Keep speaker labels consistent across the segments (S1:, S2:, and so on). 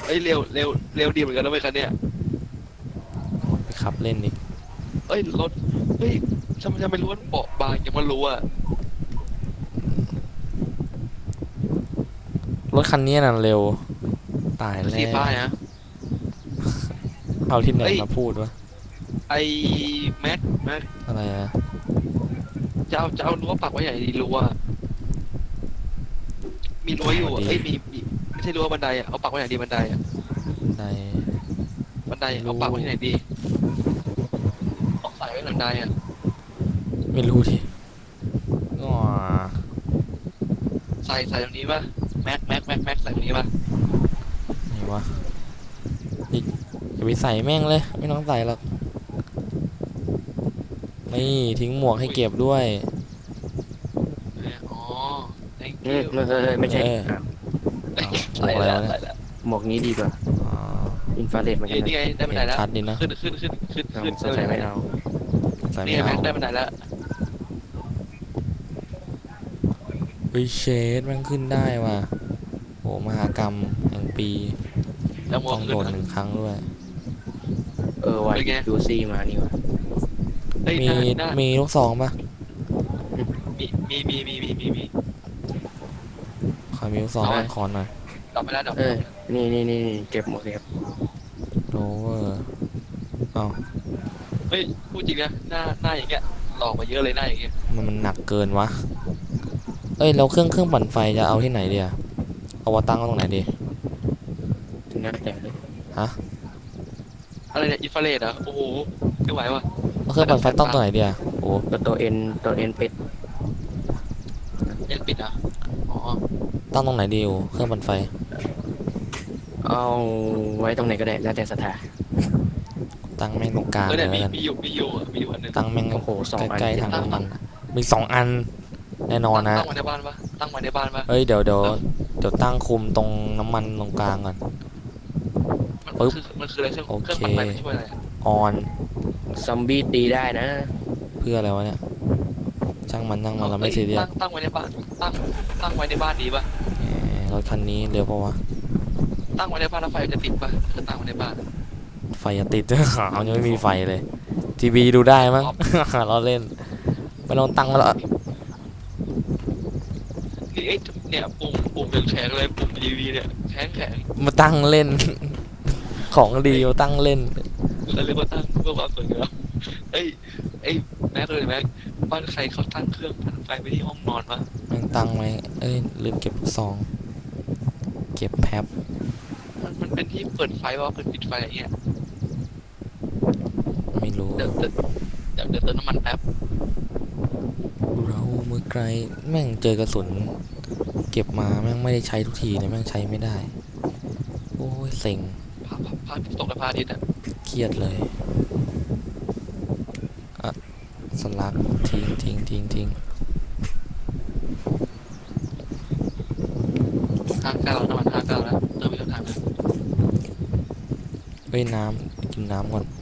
S1: อ้ยเร็วดีเหมือนกันนะเว้ยคันเนี้ย
S2: ไปขับเล่นดิ
S1: เอ้ยรถเฮ้ยทำไมรู้ว่าเบาะบางยังไม่รู้อ่ะ
S2: รถคันนี้น่ะเร็วตาย
S1: รถ
S2: แล้
S1: สีฟ้าว นะ
S2: เอาที่ไหน
S1: เอ้ย
S2: มาพูดวะ
S1: ไอ้แม็ก
S2: อะไรอะ
S1: จะเอารั้วปักไว้ไหนดีรั้วมีรั้วอยู่อะเอ้ยมีไม่ใช่รั้วบันไดอ่ะเอาปักไว้ไหนดีบันไดอ่ะ
S2: ใน
S1: บันไดเอาปักไว้ที่ไหนดีเอาใส่ไว้บันไดอ่ะ
S2: ไม่รู้ดิอ๋อ
S1: ใส่ตรงนี้ป่ะแม็กใส่ตรงนี้ป่ะ
S2: ไหนวะอีกอย่าไปใส่แม่งเลยไม่ต้องใส่หรอกนี่ทิ้งหมวกให้เก็บด้วย
S1: อ๋อ thank
S3: อื
S1: you
S3: ไม่ใช่
S2: หมวกอะไรวะเนี่ย
S1: ใส่แล้ว
S3: หมวกนี้ดีกว่า
S2: อ๋อ
S3: อินฟราเรดเหมือนกั
S1: เฮ้ย
S3: น
S1: นี่
S3: นะ
S1: ไงได้บันไดแล้ว
S2: ชัดดีนะ
S1: ขึ้น
S3: สงสัยไม่เอา
S2: ใส่
S1: นี่
S2: ไม่
S1: ไง
S2: เอา
S1: แม็กได้บันไดแล้ว
S2: เฮ้ยเชดมันขึ้นได้ว่ะโหมหากรรมแห่งปี
S1: แล้วมอ
S2: ต้อง ง
S1: ขึ้
S2: โด
S1: น
S2: น
S1: นะ
S2: 1 ครั้งด้วย
S3: วาย
S1: เป็นไง
S3: ดูซี่มานี่วะ
S1: เฮ้ย
S2: มี
S1: หน้า
S2: มีลูกซองปะ
S1: มี
S2: ขอมีลูกซอง
S1: เอาไว้
S2: คอนหน่อย
S1: ดอกไปแล้วดอก
S3: นี่เก็บหมดเลยครับ
S2: โรเวอร์เอา
S1: เฮ้ยพูดจริงนะหน้าอย่างเงี้ยหลอกมาเยอะเลยหน้าอย่างเงี้ย
S2: มันหนักเกินวะเอ้ยเราเครื่องปั่นไฟจะเอาที่ไหนดีอะเอาวาตั้งไว้ตรงไหนดี
S3: น่าแต่เลย
S1: อะไรเนี่ยอินฟราเรดอ่ะโอ้โหไม่ไหวว่ะ
S2: เอาเครื่องปั่นไฟต้องตรงไหนดีอะโอ้
S3: ตัวเอ็นเป็ด
S1: เอ็นปิดอ่ะอ๋อ
S2: ตั้งตรงไหนดีโอเครื่องปั่นไฟ
S3: เอาไว้ตรงไหนก็ได้แล้วแต่ศรัทธา
S2: ตั้งแม่งตรงกลางเลย
S1: เนี่ย
S2: แล้วกัน
S1: มีอยู่อันนึง
S2: ตั้งแม่ง
S3: โอ้โห2 อัน
S2: ใกล้ๆทางน้ำมันมี2 อันแน่นอนนะ
S1: ตั้งไว้ในบ้านปะตั้งไว้ในบ้านปะ
S2: เฮ้ยเดี๋ยวตั้งคุมตรงน้ำมันตรงกลางก่อน
S1: มันคืออะไรเครื่อง
S2: โอเค
S1: ปั่นไฟมันช่วยอะไรอะ
S2: ออน
S3: ซอมบี้ตีได้นะ
S2: เพื่ออะไรวะเนี่ยช่างมันเราไม่ซีเรียส
S1: ตั้งไว้ในบ้านตั้งไว้ในบ้านดีปะ
S2: รถคันนี้เร็วปะวะ
S1: ตั้งไว้ในบ้านแล้วไฟจะติดปะถ้าตั้งไว้ในบ้าน
S2: ไฟจะติด เอายังไม่มีไฟเลย ทีวีดูได้มั้ง เราเล่นไม่ต้องตั้งมาแล้ว
S1: นี่เนี่ยปุ่มยังแข็งเลยปุ่มทีวีเนี่ยแข็ง
S2: มาตั้งเล่น ของดีมาตั้งเล่น
S1: แล้วเรียกว่าตั้งเพื่อความสวยงามเอ้ยแม็กเลยแม็กบ้านใครเขาตั้งเครื่องปั่นไฟไปที่ห้องนอนวะ
S2: แม่งตั้งไหมเอ้ยลืมเก็บซองเก็บแพ็บ
S1: มันเป็นที่เปิดไฟวะเปิดปิดไฟอะไรเงี้ย
S2: ไม่รู้
S1: เดี๋ยวเติมน้ำมันแป๊บ
S2: เราเมื่อไกลแม่งเจอกระสุนเก็บมาแม่งไม่ได้ใช้ทุกทีเลยแม่งใช้ไม่ได้โอ้ยเซ็ง
S1: พาตกในพระอาทิตย์อ่ะ
S2: เครียดเลยอะสลักทิ้ง
S1: 59น้ำมัน59แล้วเติมไปเท่าไหร่นะ
S2: เอ้ยน้ำกินน้ำก่อน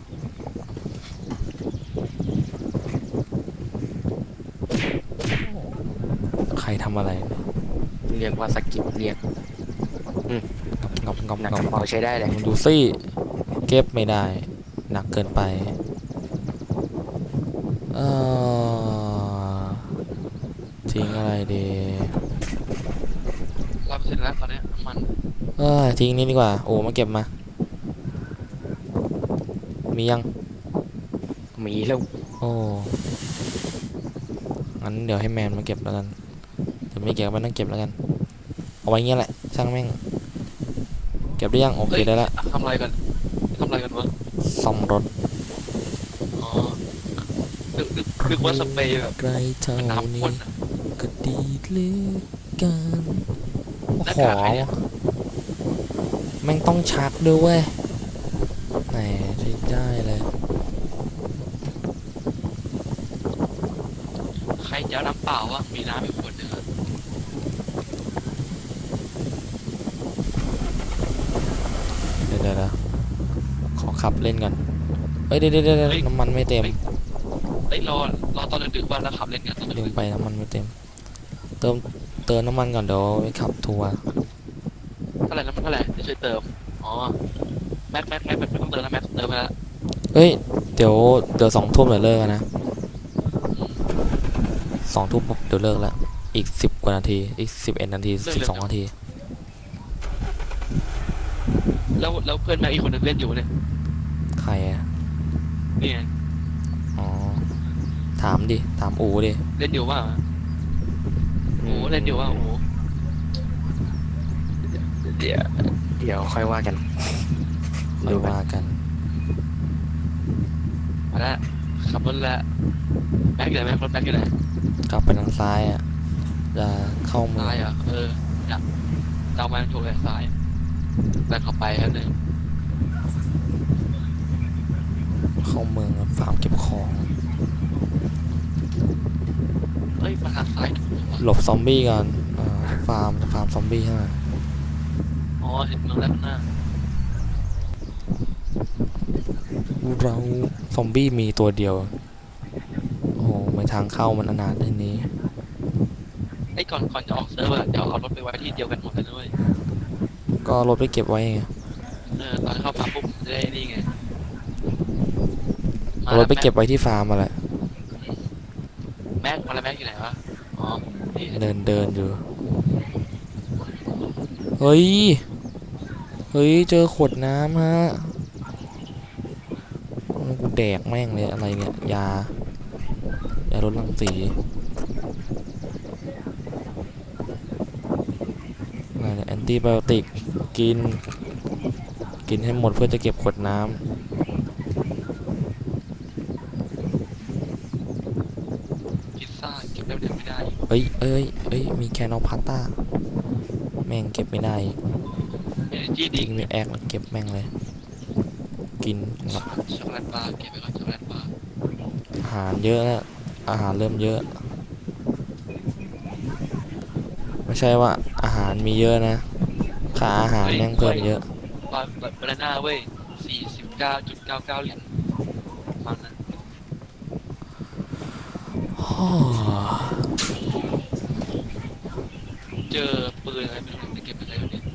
S2: ใครทำอะไรเนี่ย
S3: เรียกว่าสกิปเรียก
S2: งับ
S3: หนักกระเป๋าใช้ได้เลย
S2: มึงดูสิเก็บไม่ได้หนักเกินไปเอทิ้งอะไรดี
S1: 100%แล้วตอนนี้น้ำมัน
S2: ทิ้งนี่ดีกว่าโอ้มาเก็บมามียัง
S3: มีแล้ว
S2: โอ้งั้นเดี๋ยวให้แมนมาเก็บแล้วกันเดี๋ยวไม่เก็บก็ไม่ต้องเก็บแล้วกันเอาไว้เงี้ยแหละช่างแม่งเก็บได้ยังโอเคได้ละ
S1: ทำอะไรกันวะ
S2: ซ่อมรถ
S1: อ๋อนึกว่าสเปรย์แบบ
S2: ไกลเท่า
S1: น้ำ
S2: นี้
S1: พ่น
S2: ก็ดีเหลือเกันโอ้โหแม่งต้องชักด้วยเว้ยไหนใช้ได้เลย
S1: ใครจะเอาน้ำเปล่าวะมีน้ำอีกขวดหนึงอะ
S2: เดี๋ยวขอขับเล่นกันเฮ้ยเดี๋ยวน้ำมันไม่เต็ม
S1: เอ้ยรอตอนดึกๆบ้านแล้วขับเล่นกันตอน
S2: ลื
S1: ดึ
S2: ม
S1: ก
S2: ไปน้ำมันไม่เต็มเติมน้ำมันก่อนเดี๋ยวไปขับทัวร์
S1: ๆเท่าไหร่น้ำมันเท่าไหร่จะช่วยเติมอ๋อแม็กต้องเติมแล้วแม็กเติมไปแล้ว
S2: เฮ้ยเดี๋ยว2 ทุ่มเดี๋ยวเลิกกันนะ2 ทุ่มปุ๊บเดี๋ยวเลิกแล้วอีก10 กว่านาทีอีก11 นาที12 นาที
S1: แล้วเพื่อนแม็กอีกคนนึงเล่นอยู่เนี่ย
S2: ใครอะ
S1: นี่ไง
S2: อ๋อถามดิถามอูดิ
S1: เล่นอยู่ว่าโอ้เล่นอยู่ว่าโอ้
S3: เดี๋ยวค่อยว่ากัน
S2: ค่อยว่ากัน
S1: มาแล้วขับรถแล้วแม็กอยู่ไหนแม็กรถแม็กอยู่ไหน
S2: กลับไปทางซ้ายอ่ะจะเข้าเมือ
S1: ซ้าง ยเหรออยากเจ้ามาถูกเลยซ้ายแต่เข้าไปครับนึง
S2: เข้าเมืองฟาร์มเก็บของ
S1: เฮ้ยมาทางซ้ายถูกเหรอ
S2: หลบซอมบี้ก่อนฟาร์มซอมบี้ใช่ไหม
S1: อ๋อเห็นเมืองแล้วข้างหน้า
S2: เราซอมบี้มีตัวเดียวโอ้โหไม่ทางเข้ามันอนาถที่นี้
S1: ไอ้ก่อนจะออกเซิร์ฟเดี๋ยวเอารถไปไว้ที่เดียวกันหมดเลยด้วย
S2: ก็เอารถไปเก็บไว้ไง
S1: ตอนเข้าฟาร์มปุ๊บจะได้นี่ไง
S2: เอารถไปเก็บไว้ที่ฟาร์มมาแหละ
S1: แม็กมาแล้วแม็กอยู่ไหนวะอ๋อนี่
S2: เดินอยู่เฮ้ยเจอขวดน้ำฮะกูแดกแม่งเลยอะไรเนี่ยยาลดรังสีอะไรเนี่ยแอนติไบโอติกกินให้หมดเพื่อจะเก็บขวดน้ำ
S1: พิซซ่าเก็บได้ไม่ได้
S2: เอ้ยมีแคนอลพาสต้าแม่งเก็บไม่ได้
S1: เอเนจีดี
S2: ทิ้งในแอคแล้วเก็บแม่งเลย กินหลับ
S1: ช็อกโกแลตบาร์เก็บไปก่อนช็อกโกแลตบาร์
S2: อาหารเยอะแล้วอาหารเริ่มเยอะ ไม่ใช่ว่าอาหารมีเยอะนะค่าอาหารแม่งเพิ่มเยอะ
S1: บานาน่าเว้ย49.99 เหรียญประมาณนั้นเจอปืนอะไรไม่รู้จะเก็บอะไรวะเนี่ย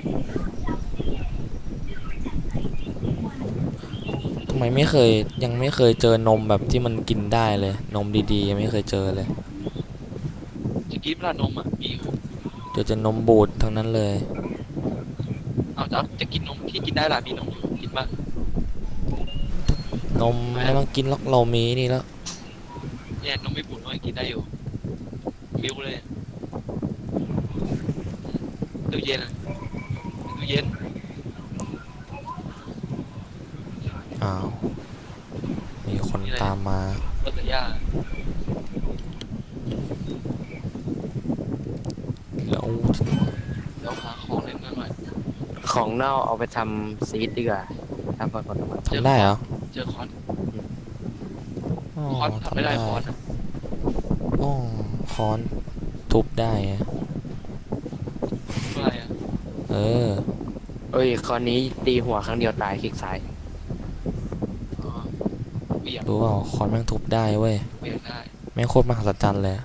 S2: ทำไมยังไม่เคยเจอนมแบบที่มันกินได้เลยนมดีๆยังไม่เคยเจอเลย
S1: จะกินปลานมอ่ะมีอยู่
S2: เจอจะนมบูดทั้งนั้นเลย
S1: เอาจะกินนมที่กินได้ล่ะมีนมอยู่กินบ้าง
S2: นมไม่ต้องกินหรอกเรามีนี่แล้ว
S1: เนี่ยนมไม่บุ๋นน้อยกินได้อยู่มิลเลยตู้เย็นอะตู้เย็น
S2: อ้าวมีคนตามมา
S1: รถสยา
S2: แล้ว
S1: เดี๋ยวหาของเล่นหน่อย
S3: ของเน่าเอาไปทำซีดดีกว่าทำผลไม้
S2: ทำได้เหรอ
S1: เจอคอน
S2: อ๋อ
S1: คอนทำไม่ได้คอนอะ
S2: อ๋อค้อนทุบได้อะ
S1: อะไรอ่ะ
S2: เออ
S3: เอ้ยคราวนี้ตีหัวครั้งเดียวตายคลิกซ้าย
S1: อ๋อเบี่ยง
S2: รู้เปล่าค้อนแม่งทุบได้เว้ย
S1: เบี่ยงได้
S2: แม่งโคตรมหัศจรรย์เลย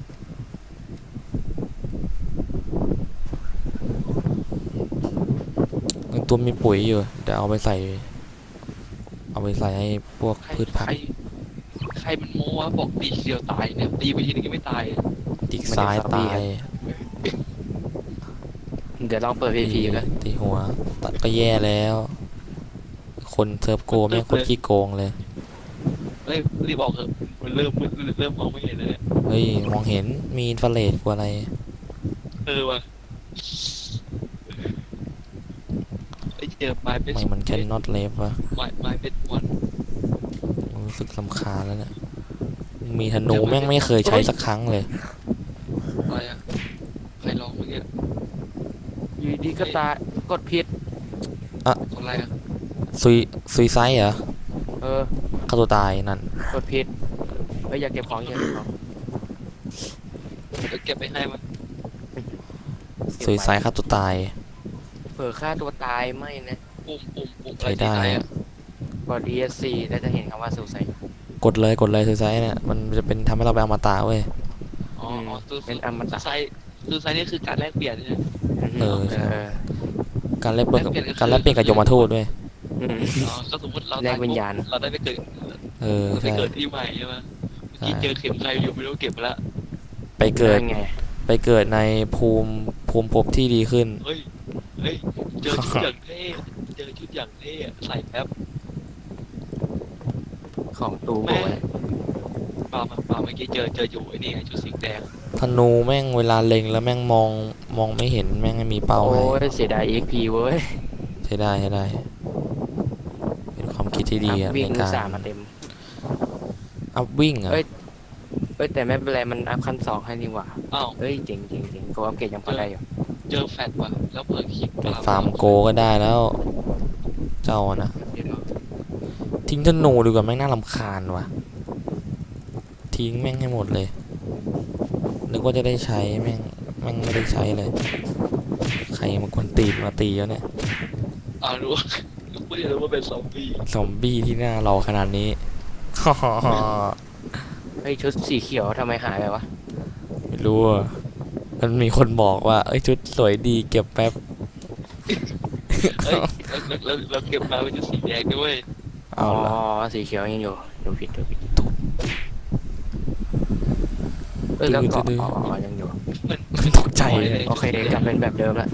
S2: ยังตัวมีปุ๋ยอยู่เดี๋ยวเอาไปใส่ให้พวก
S1: ใคร
S2: พืชผัก
S1: ใครมันโม้วะบอกตีทีเดียวตายเนี่ยตีไปทีนึงก็ไม่ตายอะ
S2: จิกซ้ายตาย
S3: เดี๋ยวลองเปิดพีพีกัน
S2: ตีหัวตัดก็แย่แล้ว คนเซิร์ฟโกแม่งโคตรขี้โกงเลย
S1: เฮ้ยรีบบอกเถอะมันเริ่มมองไม่เห็นเลยเนี่ย
S2: เฮ้ยมองเห็นมีอินฟราเรดกว่าอะไร
S1: ว่ะไอ้เจอไม้เป็น
S2: ไม่มันแค่น็อตเลฟวะ
S1: ไม้เป็นวัน
S2: รู้สึกลำคาญแล้วเนี่ยมีธนูแม่งไม่เคยใช้สักครั้งเลย
S1: อะไรอ่ะใครลองเมื่อกี้
S3: อยู่ดีก็ตายกดผิด
S1: คนอะไรอ่ะ
S2: ซุยไซด์เหรอ
S3: เออ
S2: ฆ่าตัวตายนั่น
S3: กดผิดเอ้ยอยากเก็บของอยากเก็บของ
S1: เก็บไปให้มัน
S2: ซุยไซด์ฆ่าตัวตาย
S3: เผื่อฆ่าตัวตายไม่นะ
S1: ปุ่ม
S2: ใช้ได้อะ
S3: กด ESC แล้วจะเห็นคำว่าสูไซ
S2: กดเลยซุยไซด์เนี่ยมันจะเป็นทำให้เราไปอมตะเว้ย
S1: อ๋อ
S3: เป็นอมตะ
S1: ไซนี่คือการแลกเปลี่ยนใช่ไหม
S2: เออใช่
S3: เ
S2: การแลกเปลี่ยนการแลกเปลี่ยนกับยมทูตด้วย
S3: อืม
S1: อ๋อก็สมมติเรา
S3: แลกวิญญาณ
S1: เราได้ไปเกิด
S2: เออ
S1: เราไป
S2: ใช่
S1: เกิดที่ใหม่ใช่ไหมเมื่อกี้เจอเข็มใครอยู่ไม่รู้เก็บมาละ
S2: ไปเกิด
S3: นั่นไง
S2: ไปเกิดในภูมิภพที่ดีขึ้น
S1: เฮ้ยเฮ้ยเจอชุดอย่างเท่เจอชุดอย่างเท่อะใส่แป๊บ
S3: ของตูโบเนี่ย
S1: เมื่อกี้เจออยู่ไอ้นี่ไงชุดสีแดง
S2: ธนูแม่งเวลาเล็งแล้วแม่งมองไม่เห็นแม่งไม่มีเป้า
S3: โอ้
S2: ให้
S3: ยเสียดาย XP เว้ย
S2: ใช้ได้ใช้ได้ เป็นความคิดที่ดี
S3: อั
S2: อะ
S3: พ
S2: ใน
S3: วิ่ง
S2: การ
S3: สามมาเต็ม
S2: อัพวิ่งอะ
S3: เอ้ย เอ้ยแต่ไม่เป็นไรมันอัพขั้นสองให้นี่หว่า
S1: อ้าว
S3: เอ้ยเจ๋งเจ๋งเจ๋งกูอัพเกรดยังพอได้อยู่
S1: เจอแฟดว่ะแล้วเปิดคลิป
S2: ไปฟาร์มโกก็ได้แล้ว เจ้าอะนะ
S1: เดี๋ยว
S2: ทิ้งธนูดีกว่าแม่งน่ารำคาญว่ะ ทิ้งแม่งให้หมดเลย นึกว่าจะได้ใช้แม่งไม่ได้ใช้เลย ใครมากวนตีนมาตีแล้วเนี่ย
S1: รู้ไม่ได้รู้ว่าเป็นซอมบี้
S2: ซอมบี้ที่หน้าเราขนาดนี้
S3: เฮ้ยชุดสีเขียวทำไมหายไปวะ
S2: ไม่รู้อะมันมีคนบอกว่า เอ้ยชุดสวยดีเก็บแป๊บ
S1: เฮ้ยเราเก็บมาเป็นชุดสีแดงด้วย
S2: เอาละ
S3: สีเขียวยังอยู่ดูผิดเอ้ยแล้วก็ยังอยู่
S2: ตกใจเลย
S3: โอเคกลับเป็นแบบเดิมละ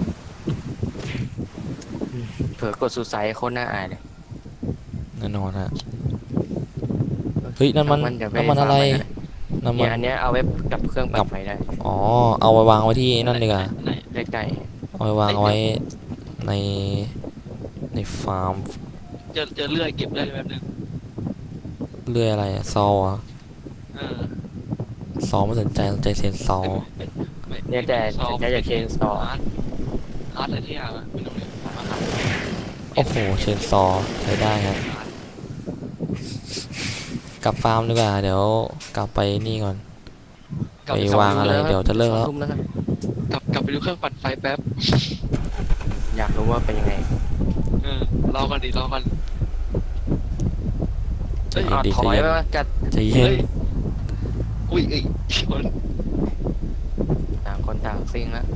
S3: เผื่อกดสุดไซส์โคตรน่าอายเลย
S2: แน่นอนฮะ เฮ้ยนั่นมัน
S3: เดี๋ยวป
S2: น้ำมันอะไร
S3: ฟาร์ม
S2: น้ำมั
S3: เนี่ย
S2: น
S3: อันเนี้ยเอาไว้กับเครื่องปั่นไฟได้
S2: อ๋อ เอาไว้วางไว้ที่นั่นดีกว่า
S1: ไหน
S3: ใกล้
S2: เอาไว้วางไว้ในในฟาร์ม
S1: เจอเลื่อยเก็บได้แบบนึง
S2: เรื่อยอะไรอะซออะ
S1: เออ
S2: ซอไม่สนใจเสียงซอ
S3: ๆเนี่ยแต่จะอยากเชนซอ
S1: อาร์ตอะไรที่อย่างอะไม่รู้เลย
S2: โอ้โหเชนซอใช้ได้ครับกลับฟาร์มดีกว่า เดี๋ยวกลับไปนี่ก่อน ไปวางอะไรเดี๋ยวจะเลิกแล้ว
S3: ทุ่มแล้วครับ
S1: กลับไปดูเครื่องปั่นไฟแป๊บ
S3: อยากรู้ว่าเป็นยังไง
S1: รอกันดิรอกัน
S2: ใจเย็นดิ
S3: ถ
S2: ใจ
S3: อย
S2: เย็น
S3: ไปว่าจัด
S2: ใจเย็น
S1: อุ้ยเอ้ยชน
S3: ต่างคนต่างซิ่งแล้ว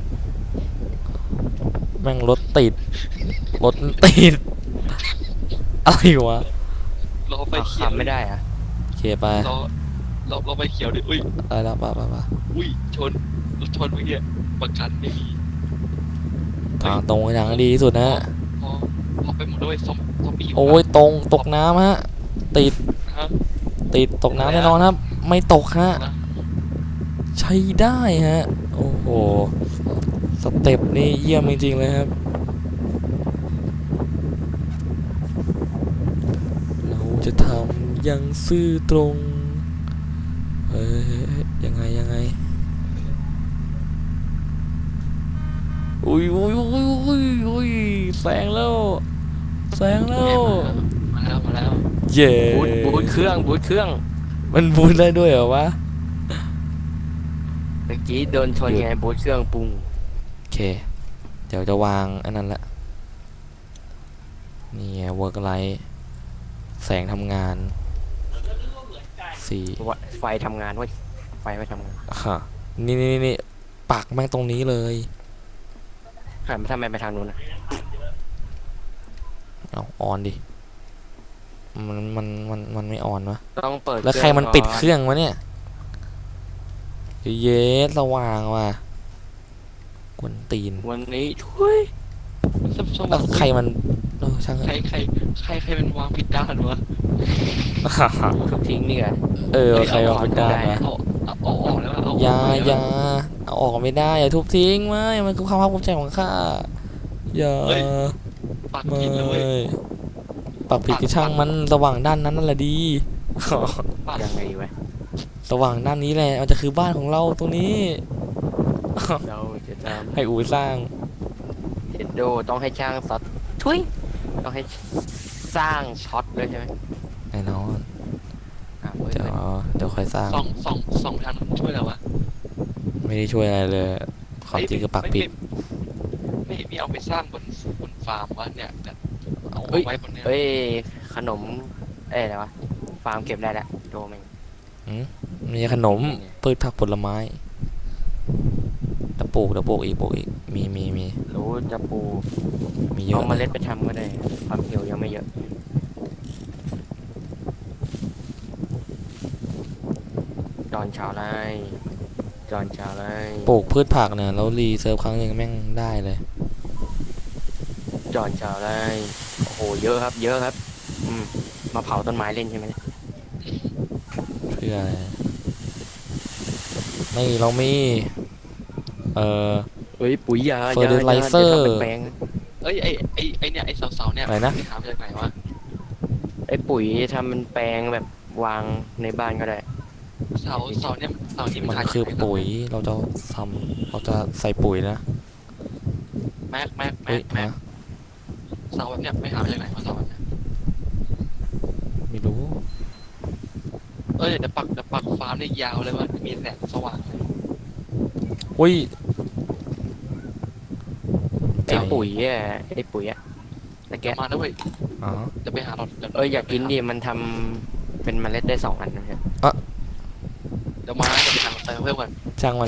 S2: แม่งรถติด รถติด อะไรวะ
S1: รอไฟ
S3: เอา
S1: เขียว
S3: ขับไม่ได้อะ
S2: โอเคไป
S1: รอไฟเขียวดิอุ้ย
S2: ได้แล้วไป
S1: อุ้ยชนรถชนเมื่อกี้ประกันไม่มี
S2: ทางตรงทางดีที่สุดนะ
S1: พอไปหมดด้วยซอมบี้
S2: โอ้ยตกน้ำฮะ ติด
S1: ฮะ
S2: ตกน้ำแน่นอนครับ ไม่ตกฮะ ใช้ได้ฮะ โอ้โห สเต็ปนี่เยี่ยมจริงๆเลยครับ เราจะทำอย่างซื่อตรง เอ้ยยังไง อุ้ยแซงแล้ว
S1: มาแล้ว
S2: เย้
S3: บูทเครื่อง
S2: มันบูทได้ด้วยเหรอวะ
S3: เมื่อกี้โดนชนไงบูทเครื่องปุ้ง
S2: โอเค เดี๋ยวจะวางอันนั้นละ นี่ไง work light แสงทำงานสี่
S3: ไฟทำงานเว้ยไฟไม่ทำงาน
S2: ฮะนี่ปักแม่งตรงนี้เลย
S3: หันไปทำไมไปทางนู้นนะ
S2: เอาออนดิ มันไม่ออนวะ
S3: ต้องเปิด
S2: แล้วใครมันปิดเครื่องวะเนี่ย เย้สว่างว่ะกวนตีน
S3: วันนี้ช่วย
S2: แล้วใครมันช่างเถ
S1: ใครเป็นวางผิดด้านวะ
S3: ทุบทิ้งนี่ไง
S2: ใครมาเป็นด้านวะ
S1: เอาออกแล้วเอา
S2: อย่าเอาออกไม่ได้อย่าทุบทิ้งไม่มันคือความภาคภูมิใจของข้าอย่า
S1: ปัก
S2: ไม่
S1: ผิดเลย
S2: ปักผิดก็ช่างมันสว่างด้านนั้นนั่นแหละดี
S1: ปัก
S3: ยังไงดีวะ
S2: สว่างด้านนี้แหละมันจะคือบ้านของเราตรงนี้
S3: เราจะท
S2: ให้อูสร้าง
S3: ำเฮดโดต้องให้ช่างซัดทุยต้องให้สร้างช็อตด้วยใช่ไหม
S2: แน่นอน
S3: เว้ย
S2: เดี๋ยวค่อยสร้าง
S1: สองทางช่วยแล้ววะ
S2: ไม่ได้ช่วยอะไรเลยความจริงคือปักผิด
S1: ไม่เอาไปสร้างบนฟาร์มวะเนี่ยแบบเอาไว้บนเนี้ย
S3: เฮ้ยขนมอะไรวะฟาร์มเก็บได้แล้วโดแม่ง
S2: มีขนมพืชผักผลไม้ ไจะปลูกอีกมี
S3: รู้จะปลูก
S2: มีเย
S3: เอา
S2: อะ
S3: เม
S2: เล
S3: ล็
S2: ย
S3: ดไปทำก็ได้ความเหี่ยวยังไม่เยอะจอนชาวไร่จอนชาวไร่
S2: ปลูกพืชผักเนี่ยแล้วรีเซิร์ฟครั้งหนึ่งแม่งได้เลย
S3: จอนชาวไร่โอ้โหเยอะครับเยอะครับมาเผาต้นไม้เล่นใช่ไหมเนี่ย
S2: เพื่ออะไรไม่เรามีเอ่อ
S3: เฮ้ยปุ๋ยยา
S2: Fertilizer
S3: ดี๋ยวทำเป็นแปลง
S1: เอ้ยไอเนี่ยไอเสาเนี่ย
S2: อะไรนะ
S1: ไปหามาจากไหนวะ
S3: ไอ้ปุ๋ยทำเป็นแปลงแบบวางในบ้านก็ได้
S1: เสาเนี่ยเสาที่
S2: มัน
S1: ขาย
S2: คือ
S1: จากไหน
S2: ปุ๋ยเราจะเราจะใส่ปุ๋ยนะ
S1: แม็ก
S2: เฮ้ย
S1: แม็ก
S2: ฮะ
S1: เสาแบบเนี้ยไปหามาจากไหนวะเสาแบบเนี้ย
S2: ไม่รู้
S1: เดี๋ยวปักฟาร์มได้ยาวเลยว่ามีแสงสว่างเลย
S2: อุ้ย
S3: ไอ้ปุ๋ยอ่ะไอ้ปุ๋ยอ่ะตะแก
S1: เดี๋ยวมาแล้วเว้ย
S2: อ๋อ
S1: จะไปหาเราเดี๋ยว
S3: อยากกินดิมันทำเป็นเมล็ดได้2 อันนะฮะ
S1: เดี๋ยวมาจะไปหาเราเติมเพิ่มก่อน
S2: ช่างมัน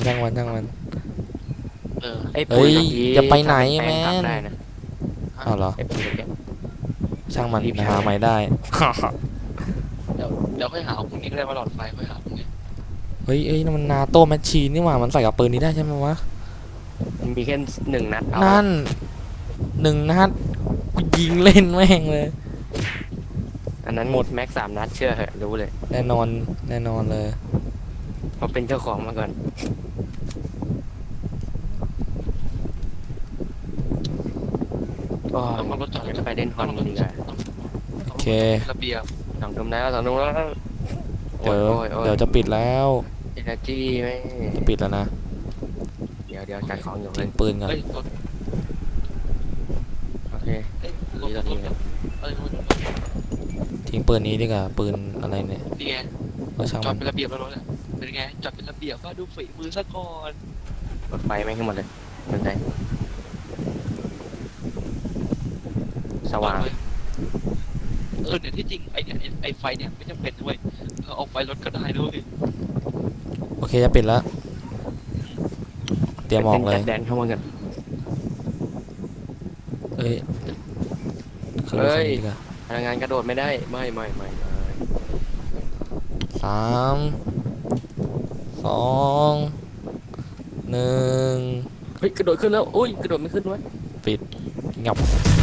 S1: เ
S3: ไอ้ปุ๋ย
S2: เอ้ย
S3: เมื่อกี้
S2: อย่าไปไหน
S3: ทำเป็
S2: แมน
S3: ปลงผักได้นะ
S2: อ้าวเหรอ
S3: ไอ้ปุ๋ยเนี่ย
S2: ช่างมัน
S3: รีบใช้
S2: หาใหม่ได้
S1: เดี๋ยวค่อยหาพรุ่งนี้ก็ได้ว่าหลอดไฟค่อยหาพรุ่งนี้
S2: เฮ้ยนั่นมันนาโต้แมชชีนนี่หว่ามันใส่กับปืนนี้ได้ใช่ไหมวะ
S3: มันมีแค่1 นัดเอา
S2: นั่น1 นัดกูยิงเล่นแม่งเลย
S3: อันนั้น
S2: ห
S3: ห
S2: ม
S3: ม
S2: ด
S3: ดแม็ก3 นัดเชื่อเหอะรู้เลย
S2: แน่นอนเลย
S3: เพราะเป็นเจ้าของมาก่อน
S1: ต้องเอารถจอด
S3: จะไปเล่นฮอนดีกว่า
S2: โอเค
S1: ระเบียบ
S3: 2 ทุ่มแล้ว2 ทุ่มแล้ว
S2: เดี๋ยว
S3: โอ้ย
S2: เดี๋ยวจะปิดแล้ว
S3: เอเนอร์จีไม่
S2: จะปิดแล้วนะ
S3: เดี๋ยวจัดของอยู่เล
S2: ทิ้
S3: ย
S2: งปืนก่อน
S1: เอ้ยรถ
S3: โอเค
S1: เอ้ยรถ
S3: นี่
S1: ร
S3: ตอน
S1: ถ
S3: นี้
S2: ทิ้งปืนนี้ดีกว่าปืนอะไรเนี่ย
S1: นี่ไง
S2: ก็ช่าง
S1: จอ
S2: มั
S1: ด
S2: น
S1: เป็นระเบียบแล้วรถอ่ะเป็นไงจอดเป็นระเบียบว่าดูฝีมือซะก่อน
S3: รถไฟไม่ขึ้นหมดเลยเป็นไรสว่าง
S1: เลยเนี่ยที่จริงไอเนี่ยไอไฟเนี่ยไม่จำเป็นด้วยเราเอาไฟรถก็ได้ด้วย
S2: โอเคจะปิดแล้ว เตรียมออกเลย
S3: จัดแดนเข้ามากัน
S2: เอ้ยขึ้นรถคันนี้ดีกว่า
S3: พลังงานกระโดดไม่ได้ไม่
S2: 3 2 1
S3: เฮ้ยกระโดดขึ้นแล้วอุ้ยกระโดดไม่ขึ้นวะ
S2: ปิดงับ